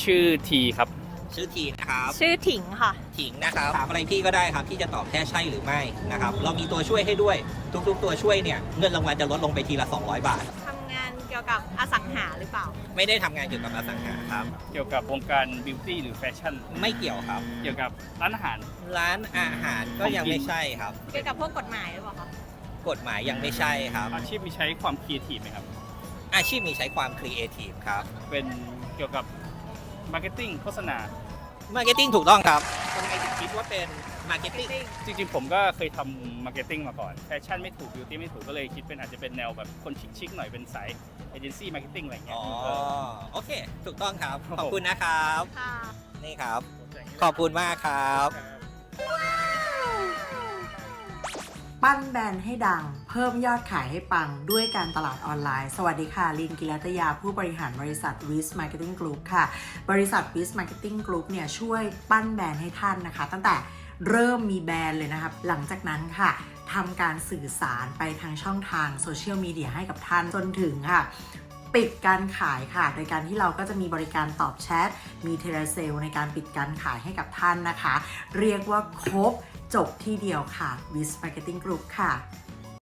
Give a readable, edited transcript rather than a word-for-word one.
ชื่อทีครับชื่อทีนะครับชื่อถิงค่ะถิงนะครับถามอะไรพี่ก็ได้ครับพี่จะตอบแค่ใช่หรือไม่นะครับเรามีตัวช่วยให้ด้วยทุกๆตัวช่วยเนี่ยเงินรางวัลจะลดลงไปทีละ200 บาททำงานเกี่ยวกับอสังหาหรือเปล่าไม่ได้ทำงานเกี่ยวกับอสังหาครับเกี่ยวกับวงการบิวตี้หรือแฟชั่นไม่เกี่ยวครับเกี่ยวกับร้านอาหารก็ยังไม่ใช่ครับเกี่ยวกับพวกกฎหมายหรือเปล่าคะกฎหมายยังไม่ใช่ครับอาชีพมีใช้ความครีเอทีฟไหมครับอาชีพมีใช้ความครีเอทีฟครับเป็นเกี่ยวกับมาร์เก็ตติ้งโฆษณามาร์เก็ตติ้งถูกต้องครับทำไมถึงคิดว่าเป็นมาร์เก็ตติ้งจริงๆผมก็เคยทำมาร์เก็ตติ้งมาก่อนแฟชั่นไม่ถูกบิวตี้ไม่ถูกก็เลยคิดเป็นอาจจะเป็นแนวแบบคนชิคๆหน่อยเป็นสายเอเจนซี่มาร์เก็ตติ้งอะไรอย่างเงี้ยโอเคถูกต้องครับขอบคุณนะครับค่ะนี่ครับขอบคุณมากครับปั้นแบรนด์ให้ดังเพิ่มยอดขายให้ปังด้วยการตลาดออนไลน์สวัสดีค่ะลินกิรัตยาผู้บริหารบริษัท Wiz Marketing Group ค่ะบริษัท Wiz Marketing Group เนี่ยช่วยปั้นแบรนด์ให้ท่านนะคะตั้งแต่เริ่มมีแบรนด์เลยนะครับหลังจากนั้นค่ะทำการสื่อสารไปทางช่องทางโซเชียลมีเดียให้กับท่านจนถึงค่ะปิดการขายค่ะโดยการที่เราก็จะมีบริการตอบแชทมีเทเลเซลในการปิดการขายให้กับท่านนะคะเรียกว่าครบจบที่เดียวค่ะ Wiz Marketing Group ค่ะ